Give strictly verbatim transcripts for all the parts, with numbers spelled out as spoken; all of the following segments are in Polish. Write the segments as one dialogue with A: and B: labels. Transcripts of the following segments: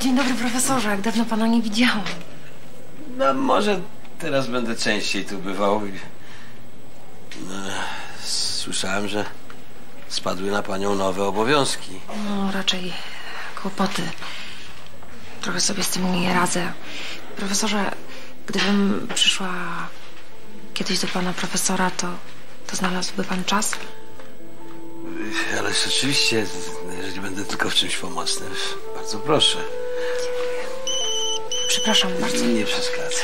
A: dzień dobry, profesorze. Jak dawno pana nie widziałam.
B: No może teraz będę częściej tu bywał. No, słyszałem, że spadły na panią nowe obowiązki.
A: No, raczej kłopoty. Trochę sobie z tym nie radzę. Profesorze, gdybym przyszła kiedyś do pana profesora, to, to znalazłby pan czas?
B: Ale rzeczywiście, jeżeli będę tylko w czymś pomocny, bardzo proszę.
A: Dziękuję. Przepraszam bardzo.
B: Nie przeszkadza.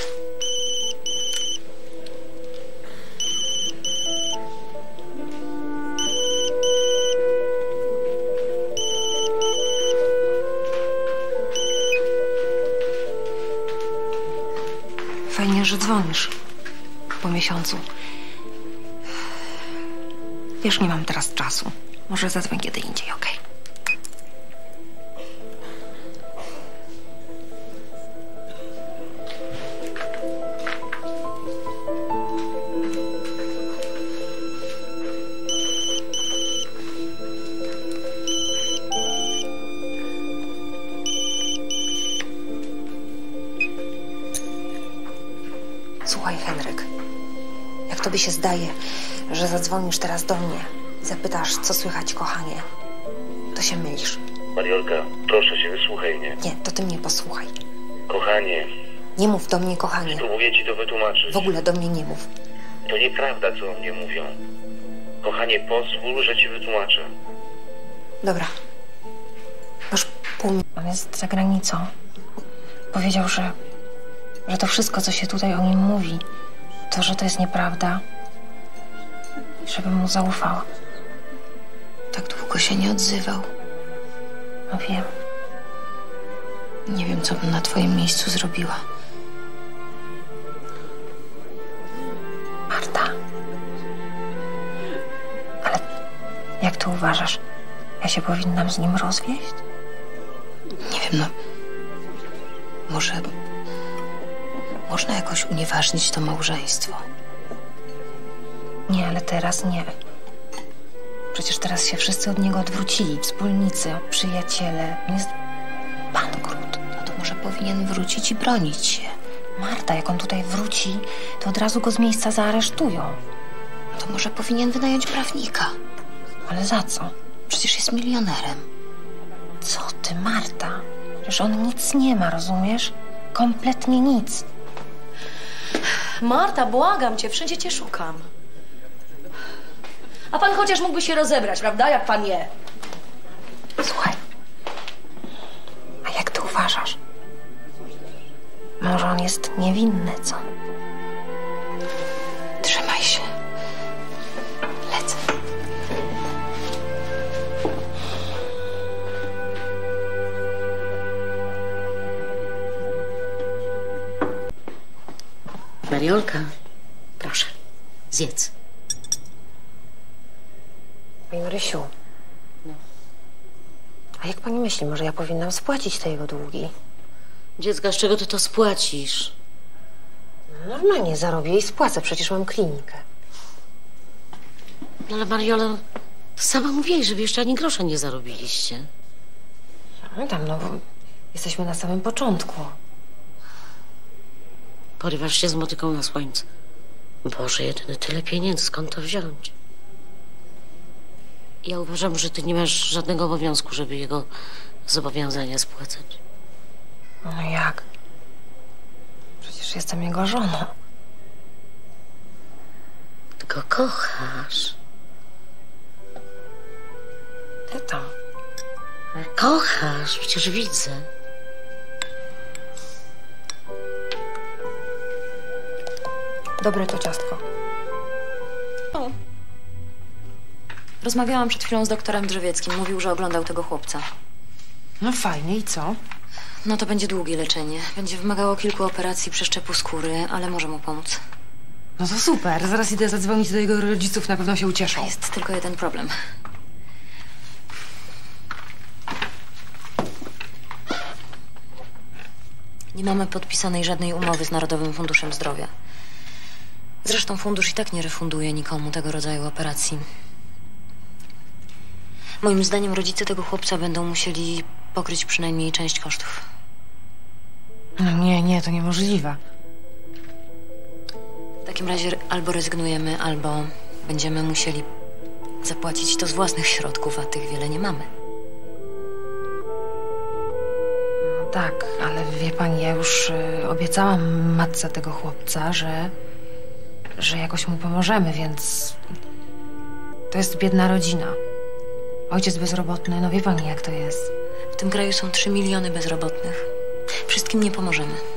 A: Fajnie, że dzwonisz po miesiącu. Wiesz, nie mam teraz czasu. Może zadzwoń kiedy indziej, okej? Okay? Słuchaj, Henryk, jak tobie się zdaje, że zadzwonisz teraz do mnie i zapytasz, co słychać, kochanie, to się mylisz.
C: Mariolka, proszę cię, wysłuchaj mnie.
A: Nie, to ty mnie posłuchaj.
C: Kochanie.
A: Nie mów do mnie, kochanie.
C: Spróbuję ci to wytłumaczyć.
A: W ogóle do mnie nie mów.
C: To nieprawda, co o mnie mówią. Kochanie, pozwól, że ci wytłumaczę.
A: Dobra. Już pół mi... On jest za granicą. Powiedział, że... że to wszystko, co się tutaj o nim mówi, to, że to jest nieprawda. Żebym mu zaufała. Tak długo się nie odzywał. No wiem. Nie wiem, co bym na twoim miejscu zrobiła. Marta. Ale jak ty uważasz? Ja się powinnam z nim rozwieść? Nie wiem, no... Może... Można jakoś unieważnić to małżeństwo. Nie, ale teraz nie. Przecież teraz się wszyscy od niego odwrócili. Wspólnicy, przyjaciele. On jest bankrut. No to może powinien wrócić i bronić się. Marta, jak on tutaj wróci, to od razu go z miejsca zaaresztują. No to może powinien wynająć prawnika. Ale za co? Przecież jest milionerem. Co ty, Marta? Przecież on nic nie ma, rozumiesz? Kompletnie nic.
D: Marta, błagam cię, wszędzie cię szukam. A pan chociaż mógłby się rozebrać, prawda, jak pan je?
A: Słuchaj, a jak ty uważasz? Może on jest niewinny, co? Trzymaj się. Lecę.
D: Mariolka, proszę, zjedz.
A: Pani Marysiu.
D: No.
A: A jak pani myśli, może ja powinnam spłacić te jego długi?
D: Dziecka, z czego ty to spłacisz?
A: No, normalnie zarobię i spłacę, przecież mam klinikę.
D: No ale Mariola, to sama mówiłaś, że wy jeszcze ani grosza nie zarobiliście.
A: No tam, no bo jesteśmy na samym początku.
D: Porywasz się z motyką na słońcu. Boże, jedyny tyle pieniędzy, skąd to wziąć? Ja uważam, że ty nie masz żadnego obowiązku, żeby jego zobowiązania spłacać.
A: No jak? Przecież jestem jego żoną.
D: Ty go kochasz.
A: Ty tam.
D: Kochasz, przecież widzę.
A: Dobre to ciastko.
E: O. Rozmawiałam przed chwilą z doktorem Drzewieckim. Mówił, że oglądał tego chłopca.
A: No fajnie, i co?
E: No to będzie długie leczenie. Będzie wymagało kilku operacji przeszczepu skóry, ale może mu pomóc.
A: No to super. Zaraz idę zadzwonić do jego rodziców. Na pewno się ucieszą.
E: Jest tylko jeden problem. Nie mamy podpisanej żadnej umowy z Narodowym Funduszem Zdrowia. Zresztą fundusz i tak nie refunduje nikomu tego rodzaju operacji. Moim zdaniem rodzice tego chłopca będą musieli pokryć przynajmniej część kosztów.
A: No nie, nie, to niemożliwe.
E: W takim razie albo rezygnujemy, albo będziemy musieli zapłacić to z własnych środków, a tych wiele nie mamy.
A: No tak, ale wie pani, ja już y, obiecałam matce tego chłopca, że, że jakoś mu pomożemy, więc to jest biedna rodzina. Ojciec bezrobotny, no wie pani jak to jest.
E: W tym kraju są trzy miliony bezrobotnych. Wszystkim nie pomożemy.